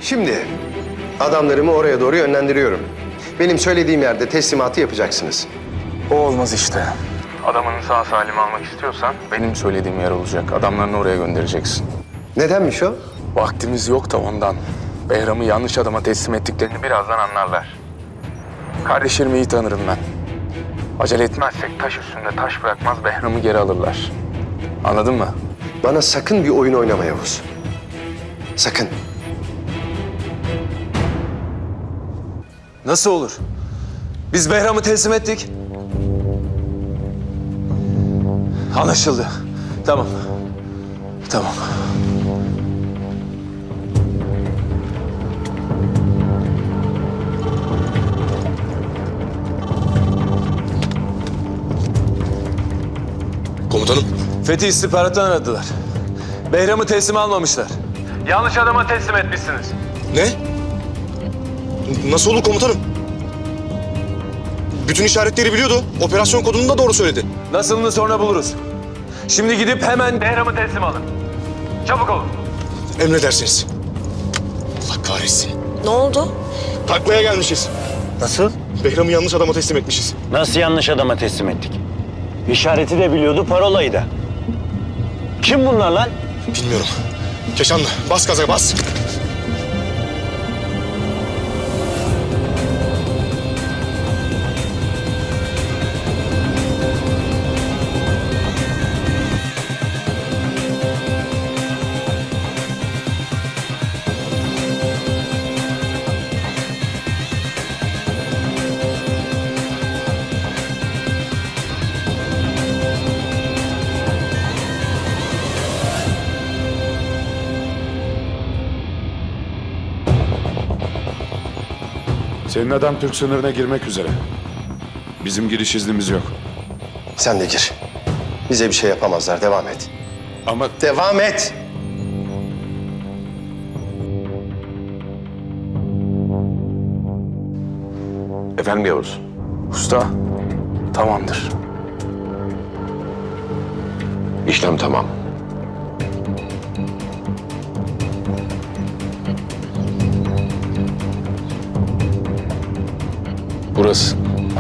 Şimdi adamlarımı oraya doğru yönlendiriyorum. Benim söylediğim yerde teslimatı yapacaksınız. O olmaz işte. Adamını sağ salim almak istiyorsan benim söylediğim yer olacak. Adamlarını oraya göndereceksin. Nedenmiş o? Vaktimiz yok da ondan. Behram'ı yanlış adama teslim ettiklerini birazdan anlarlar. Kardeşlerimi iyi tanırım ben. Acele etmezsek taş üstünde taş bırakmaz, Behram'ı geri alırlar. Anladın mı? Bana sakın bir oyun oynama Yavuz. Sakın. Nasıl olur? Biz Behram'ı teslim ettik. Anlaşıldı. Tamam. Tamam. Komutanım. Fethi istihbarattan aradılar. Behram'ı teslim almamışlar. Yanlış adama teslim etmişsiniz. Ne? Nasıl olur komutanım? Bütün işaretleri biliyordu. Operasyon kodunu da doğru söyledi. Nasılını sonra buluruz. Şimdi gidip hemen Behram'ı teslim alın. Çabuk olun. Emredersiniz. Allah kahretsin. Ne oldu? Taklaya gelmişiz. Nasıl? Behram'ı yanlış adama teslim etmişiz. Nasıl yanlış adama teslim ettik? İşareti de biliyordu, parolayı da. Kim bunlar lan? Bilmiyorum. Keşanlı bas gaza bas. Senin adam Türk sınırına girmek üzere. Bizim giriş iznimiz yok. Sen de gir. Bize bir şey yapamazlar. Devam et. Ama Devam et. Efendim Yavuz? Usta, tamamdır. İşlem tamam. Burası.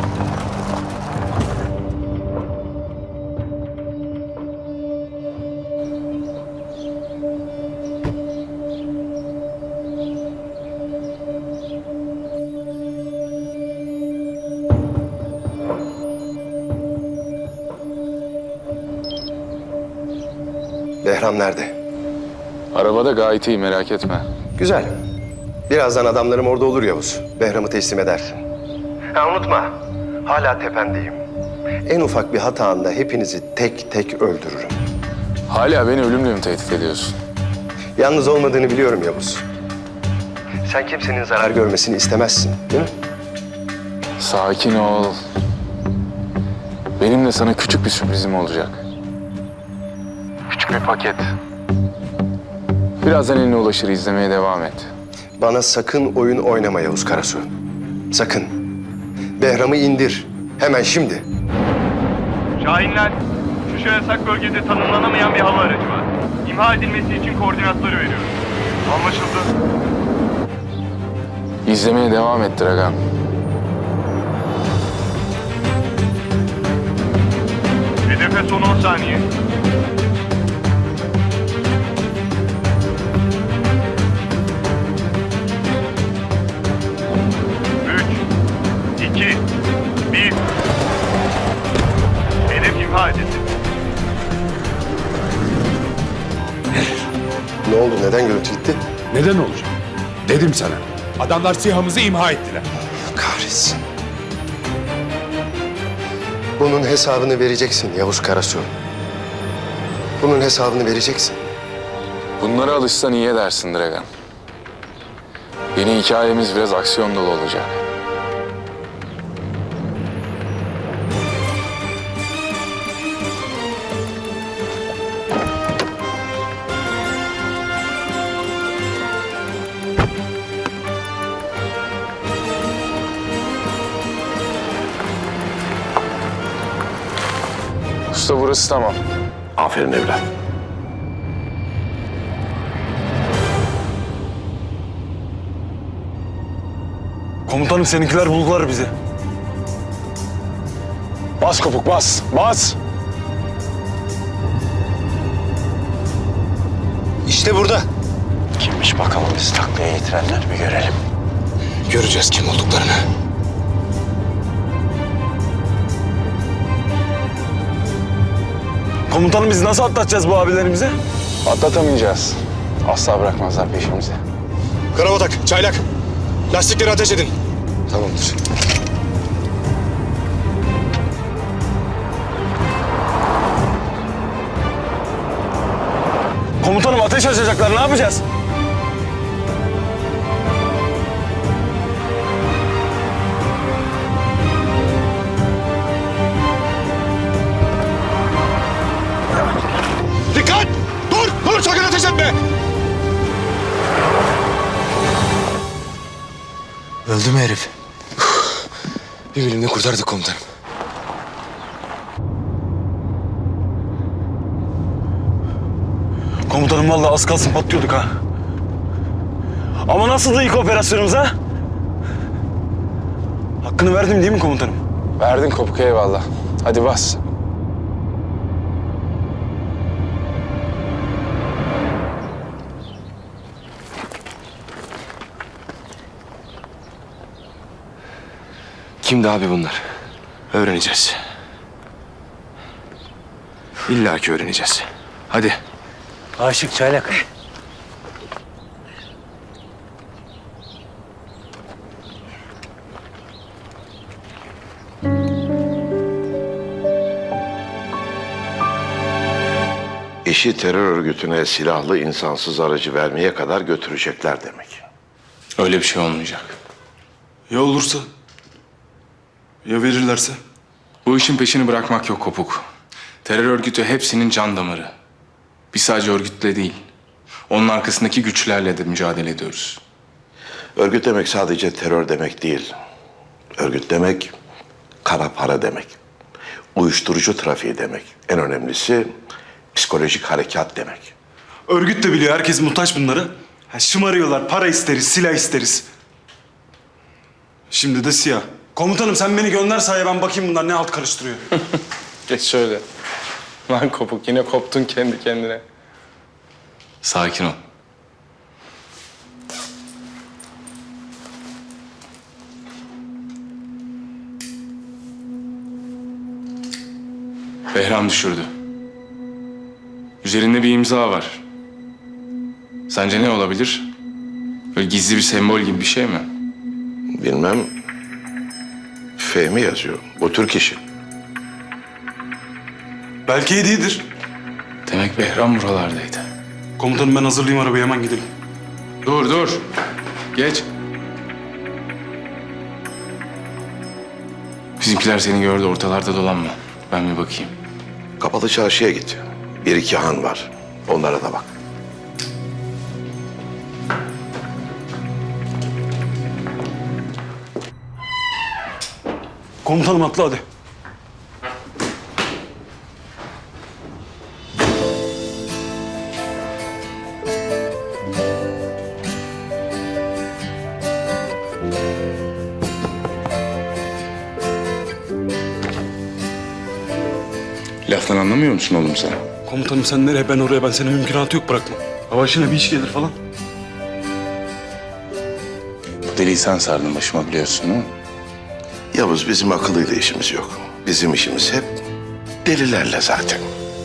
Behram nerede? Arabada gayet iyi, merak etme. Güzel. Birazdan adamlarım orada olur Yavuz. Behram'ı teslim edersin. Ha unutma. Hala tependeyim. En ufak bir hatanda hepinizi tek tek öldürürüm. Hala beni ölümle mi tehdit ediyorsun? Yalnız olmadığını biliyorum Yavuz. Sen kimsenin zarar görmesini istemezsin, değil mi? Sakin ol. Benim de sana küçük bir sürprizim olacak. Küçük bir paket. Birazdan eline ulaşır, izlemeye devam et. Bana sakın oyun oynama Yavuz Karasu. Sakın. Behram'ı indir. Hemen şimdi. Şahinler, şu yasak bölgede tanımlanamayan bir hava aracı var. İmha edilmesi için koordinatları veriyoruz. Anlaşıldı. İzlemeye devam et Dragan. Hedefe son 10 saniye. Üç, iki, bir. Hedef imha edildi. Ne oldu? Neden görüntü gitti? neden olacak? Dedim sana. Adamlar SİHA'mızı imha ettiler. Kahretsin. Bunun hesabını vereceksin Yavuz Karasu. Bunun hesabını vereceksin. Bunlara alışsan iyi edersin Dragan. Yeni hikayemiz biraz aksiyon dolu olacak. Usta burası tamam. Aferin evlat. Komutanım seninkiler buldular bizi. Bas kopuk bas. Bas. İşte burada. Kimmiş bakalım bizi taklaya getirenler bir görelim. Göreceğiz kim olduklarını. Komutanım biz nasıl atlatacağız bu abilerimizi? Atlatamayacağız. Asla bırakmazlar peşimizi. Karabatak, çaylak. Lastikleri ateş edin. Tamamdır. Komutanım ateş açacaklar, ne yapacağız? Dikkat! Dur sakın ateş etme! Öldü mü herif? Bir bilimle kurtardık komutanım. Komutanım vallahi az kalsın patlıyorduk ha. Ama nasıldı ilk operasyonumuz ha? Hakkını verdim değil mi komutanım? Verdin kopuk eyvallah. Hadi bas. Kimdi abi bunlar? Öğreneceğiz. İlla ki öğreneceğiz. Hadi. Aşık çaylak. İşi terör örgütüne silahlı insansız aracı vermeye kadar götürecekler demek. Öyle bir şey olmayacak. Ya olursa? Ya verirlerse? Bu işin peşini bırakmak yok kopuk. Terör örgütü hepsinin can damarı. Biz sadece örgütle değil, onun arkasındaki güçlerle de mücadele ediyoruz. Örgüt demek sadece terör demek değil. Örgüt demek kara para demek. Uyuşturucu trafiği demek. En önemlisi psikolojik harekat demek. Örgüt de biliyor, herkes muhtaç bunlara. Şımarıyorlar, para isteriz, silah isteriz. Şimdi de siyah. Komutanım sen beni gönder sahaya, ben bakayım bunlar ne alt karıştırıyor. Geç şöyle. Lan kopuk yine koptun kendi kendine. Sakin ol. Behram düşürdü. Üzerinde bir imza var. Sence ne olabilir? Böyle gizli bir sembol gibi bir şey mi? Bilmem. Fehmi yazıyor. Bu Türk işi. Belki hediyedir. Demek Behram buralardaydı. Komutanım ben hazırlayayım arabayı, hemen gidelim. Dur. Geç. Bizimkiler seni gördü, ortalarda dolanma. Ben bir bakayım. Kapalı çarşıya git. Bir iki han var. Onlara da bak. Komutanım atla hadi. Laftan anlamıyor musun oğlum sen? Komutanım sen nereye, ben oraya, ben senin mümkünatı yok bırakma. Hava işine bir iş gelir falan. Bu deliği sen sardın başıma biliyorsun değil mi? Yavuz, bizim akıllıyla işimiz yok. Bizim işimiz hep delilerle zaten.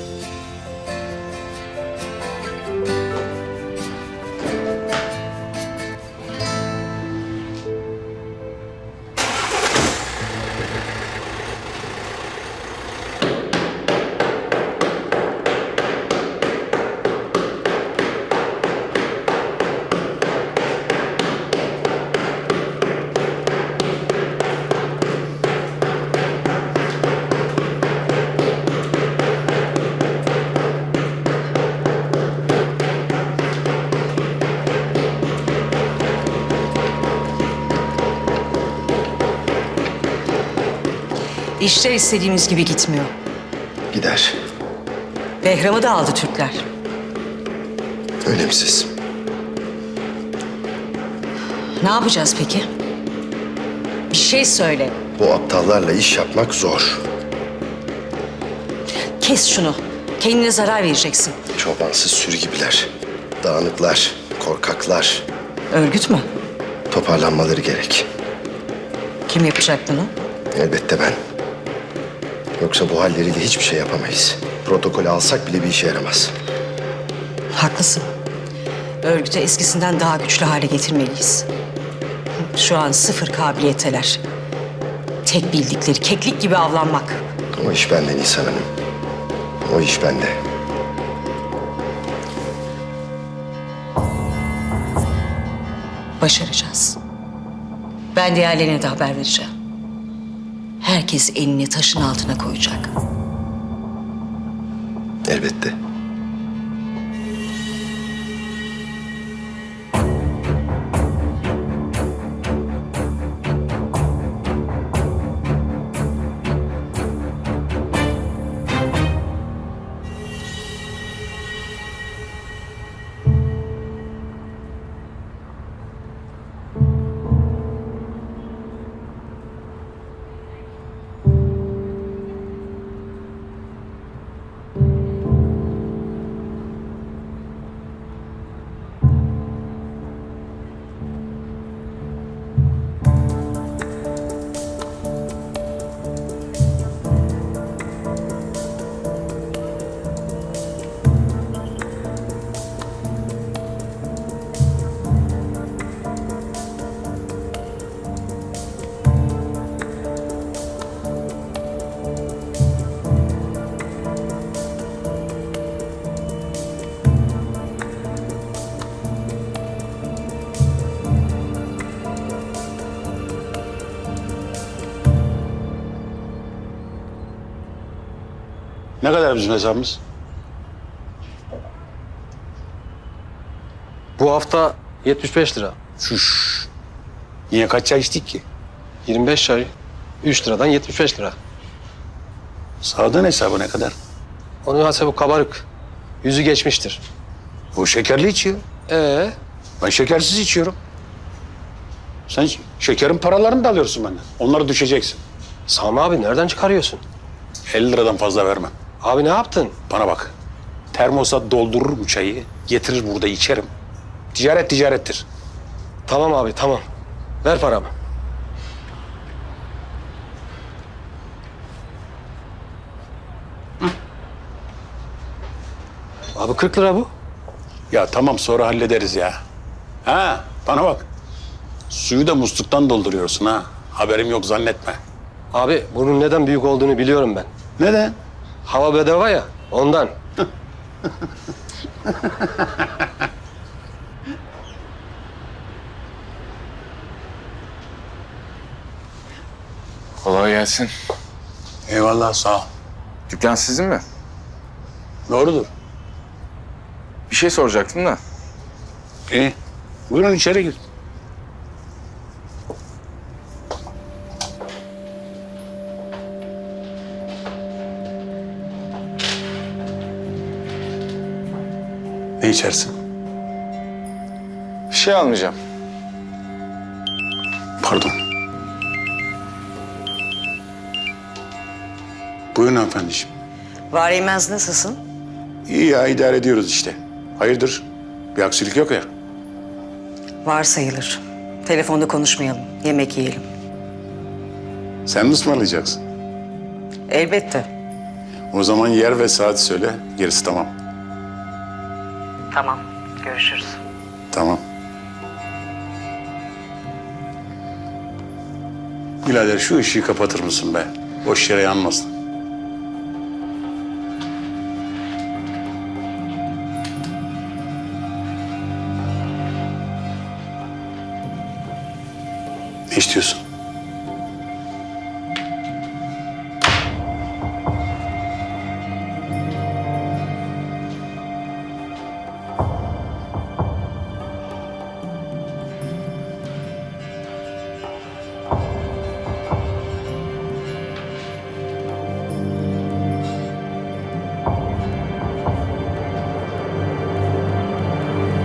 İşler istediğimiz gibi gitmiyor. Gider. Behram'ı da aldı Türkler. Önemsiz. Ne yapacağız peki? şey söyle. Bu aptallarla iş yapmak zor. Kes şunu. Kendine zarar vereceksin. Çobansız sürü gibiler. Dağınıklar, korkaklar. Örgüt mü? Toparlanmaları gerek. Kim yapacak bunu? Elbette ben. Yoksa bu halleriyle hiçbir şey yapamayız. Protokolü alsak bile bir işe yaramaz. Haklısın. Örgütü eskisinden daha güçlü hale getirmeliyiz. Şu an sıfır kabiliyetteler. Tek bildikleri keklik gibi avlanmak. O iş bende Nisan Hanım. O iş bende. Başaracağız. Ben diğerlerine de haber vereceğim. Herkes elini taşın altına koyacak. Elbette. Ne kadar bizim hesabımız? Bu hafta 75 lira. Şuş. Niye kaç çay içtik ki? 25 çay. 3 liradan 75 lira. Sağdan hesabı ne kadar? Onun hesabı kabarık. Yüzü geçmiştir. Bu şekerli içiyor. Ben şekersiz içiyorum. Sen şekerin paralarını da alıyorsun benden. Onları düşeceksin. Sami abi nereden çıkarıyorsun? 50 liradan fazla vermem. Abi ne yaptın? Bana bak. Termosa doldururum çayı, getirir burada içerim. Ticaret ticarettir. Tamam abi tamam. Ver paramı. Abi 40 lira bu. Ya tamam sonra hallederiz ya. Ha bana bak. Suyu da musluktan dolduruyorsun ha. Haberim yok zannetme. Abi bunun neden büyük olduğunu biliyorum ben. Neden? Hava bedava ya ondan. Kolay gelsin. Eyvallah sağ ol. Dükkan sizin mi? Doğrudur. Bir şey soracaktım da. İyi. Buyurun içeri gir. Ne içersin? Bir şey almayacağım. Pardon. Buyurun hanımefendiciğim. Var Eymez nasılsın? İyi ya idare ediyoruz işte. Hayırdır? Bir aksilik yok ya. Var sayılır. Telefonda konuşmayalım. Yemek yiyelim. Sen mi ısmarlayacaksın? Elbette. O zaman yer ve saat söyle. Gerisi tamam. Tamam. Görüşürüz. Tamam. Birader şu ışığı kapatır mısın be? Boş yere yanmasın. Ne istiyorsun?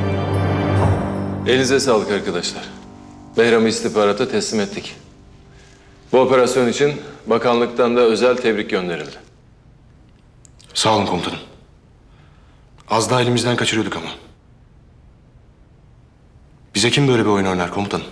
Elinize sağlık arkadaşlar. Behram'ı istihbarata teslim ettik. Bu operasyon için bakanlıktan da özel tebrik gönderildi. Sağ olun komutanım. Az daha elimizden kaçırıyorduk ama. Bize kim böyle bir oyun oynar komutanım?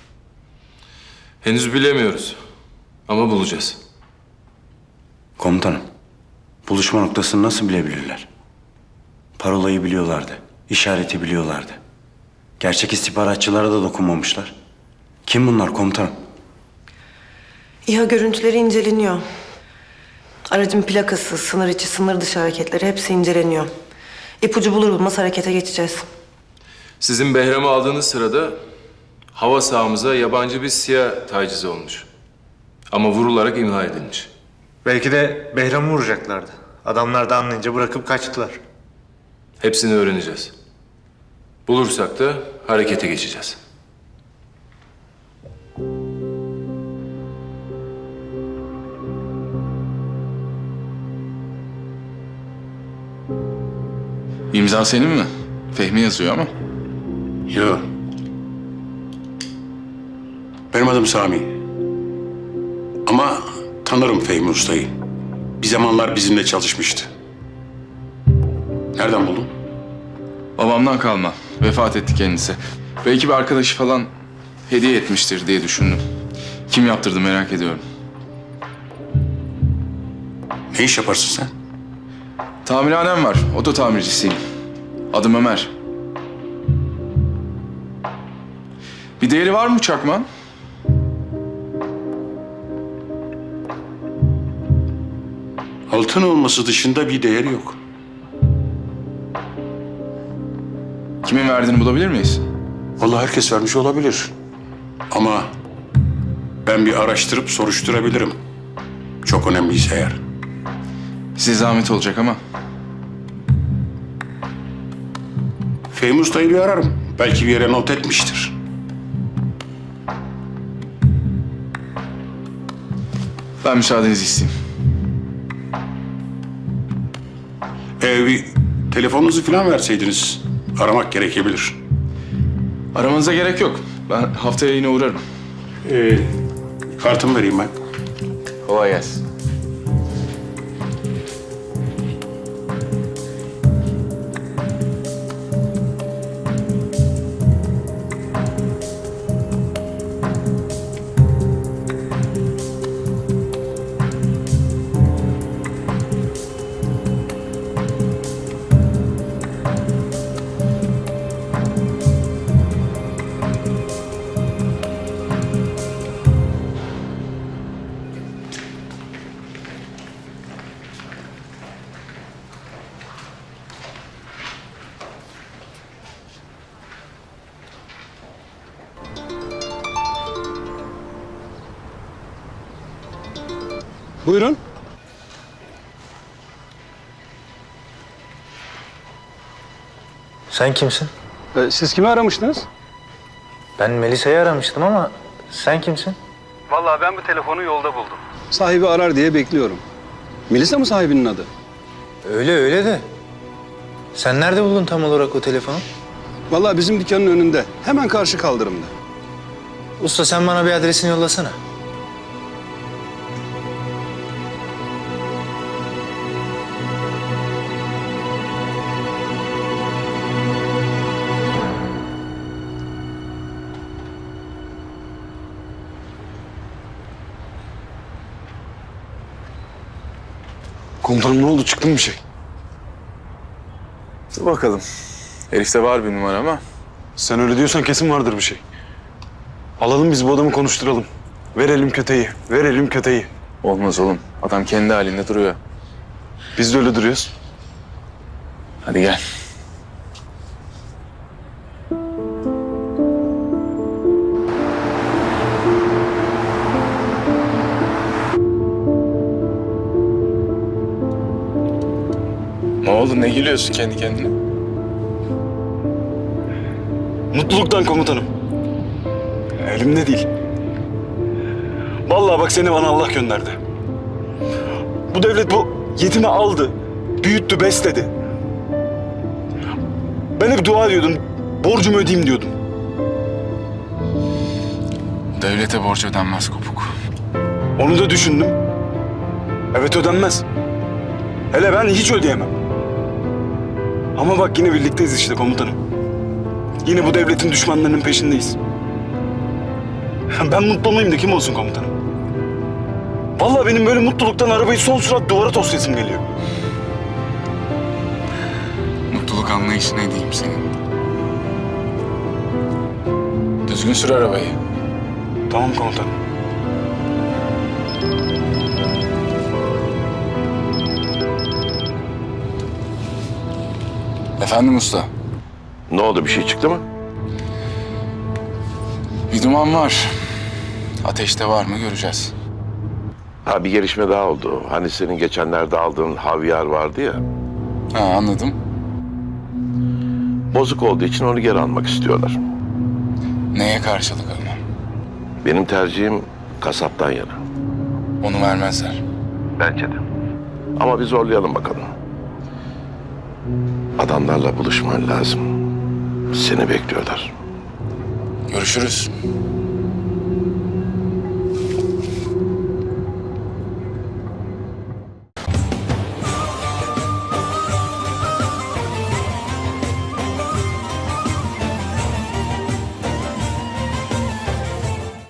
Henüz bilemiyoruz ama bulacağız. Komutanım, buluşma noktasını nasıl bilebilirler? Parolayı biliyorlardı, işareti biliyorlardı. Gerçek istihbaratçılara da dokunmamışlar. Kim bunlar komutanım? İHA görüntüleri inceleniyor. Aracın plakası, sınır içi, sınır dışı hareketleri hepsi inceleniyor. İpucu bulur bulmaz harekete geçeceğiz. Sizin Behram'ı aldığınız sırada hava sahamıza yabancı bir siyah tacizi olmuş. Ama vurularak imha edilmiş. Belki de Behram'ı vuracaklardı. Adamlar da anlayınca bırakıp kaçtılar. Hepsini öğreneceğiz. Bulursak da harekete geçeceğiz. İmza senin mi? Fehmi yazıyor ama. Yok. Benim adım Sami. Ama tanırım Fehmi Usta'yı. Bir zamanlar bizimle çalışmıştı. Nereden buldun? Babamdan kalma. Vefat etti kendisi. Belki bir arkadaşı falan hediye etmiştir diye düşündüm. Kim yaptırdı merak ediyorum. Ne iş yaparsın sen? Tamirhanem var. Oto tamircisiyim. Adım Ömer. Bir değeri var mı çakman? Altın olması dışında bir değeri yok. Kimin verdiğini bulabilir miyiz? Vallahi herkes vermiş olabilir. Ama ben bir araştırıp soruşturabilirim. Çok önemliyse eğer. Size zahmet olacak ama. Fehmi Usta'yı bir ararım. Belki bir yere not etmiştir. Ben müsaadenizi isteyeyim. Bir telefonunuzu falan verseydiniz aramak gerekebilir. Aramanıza gerek yok. Ben haftaya yine uğrarım. Kartımı vereyim ben. Kolay gelsin. Buyurun. Sen kimsin? Siz kimi aramıştınız? Ben Melisa'yı aramıştım ama sen kimsin? Vallahi ben bu telefonu yolda buldum. Sahibi arar diye bekliyorum. Melisa mı sahibinin adı? Öyle de. Sen nerede buldun tam olarak o telefonu? Vallahi bizim dükkanın önünde. Hemen karşı kaldırımda. Usta sen bana bir adresini yollasana. Komutanım ne oldu? Çıktı mı bir şey? Dur bakalım. Herifte var bir numara ama. Sen öyle diyorsan kesin vardır bir şey. Alalım biz bu adamı konuşturalım. Verelim köteyi, verelim köteyi. Olmaz oğlum. Adam kendi halinde duruyor. Biz de öyle duruyoruz. Hadi gel. Ne oldu? Ne gülüyorsun kendi kendine? Mutluluktan komutanım. Elimde değil. Vallahi bak seni bana Allah gönderdi. Bu devlet bu yetimi aldı, büyüttü, besledi. Ben hep dua ediyordum, borcumu ödeyeyim diyordum. Devlete borç ödenmez Kopuk. Onu da düşündüm. Evet, ödenmez. Hele ben hiç ödeyemem. Ama bak yine birlikteyiz işte komutanım. Yine bu devletin düşmanlarının peşindeyiz. Ben mutlu olmayayım da kim olsun komutanım? Vallahi benim böyle mutluluktan arabayı son sürat duvara toslayasım geliyor. Mutluluk anlayışı ne diyeyim senin? Düzgün sür arabayı. Tamam komutanım. Efendim usta. Ne oldu, bir şey çıktı mı? Bir duman var. Ateşte var mı göreceğiz. Ha, bir gelişme daha oldu. Hani senin geçenlerde aldığın havyar vardı ya. Ha, anladım. Bozuk olduğu için onu geri almak istiyorlar. Neye karşılık ama? Benim tercihim kasaptan yana. Onu vermezler. Bence de. Ama bir zorlayalım bakalım. Adamlarla buluşman lazım. Seni bekliyorlar. Görüşürüz.